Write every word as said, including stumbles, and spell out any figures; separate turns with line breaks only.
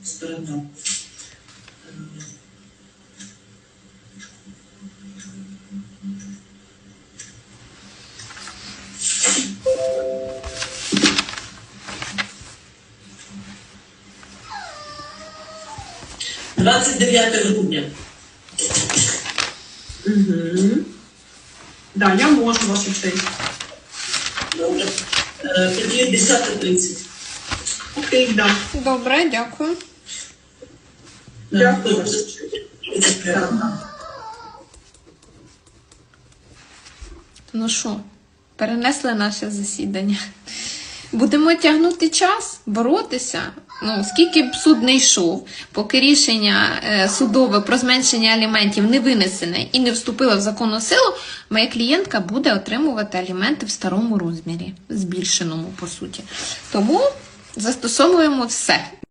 сторона. двадцять дев'яте грудня.
Угу. Да, я можу, ваша честь.
Добре. Е, Тоді десяте тридцять.
Окей, да.
Добре, дякую.
Дякую.
Ну що, перенесли наше засідання. Будемо тягнути час, боротися. Ну, скільки б суд не йшов, поки рішення е, судове про зменшення аліментів не винесене і не вступило в законну силу, моя клієнтка буде отримувати аліменти в старому розмірі, збільшеному, по суті. Тому застосовуємо все.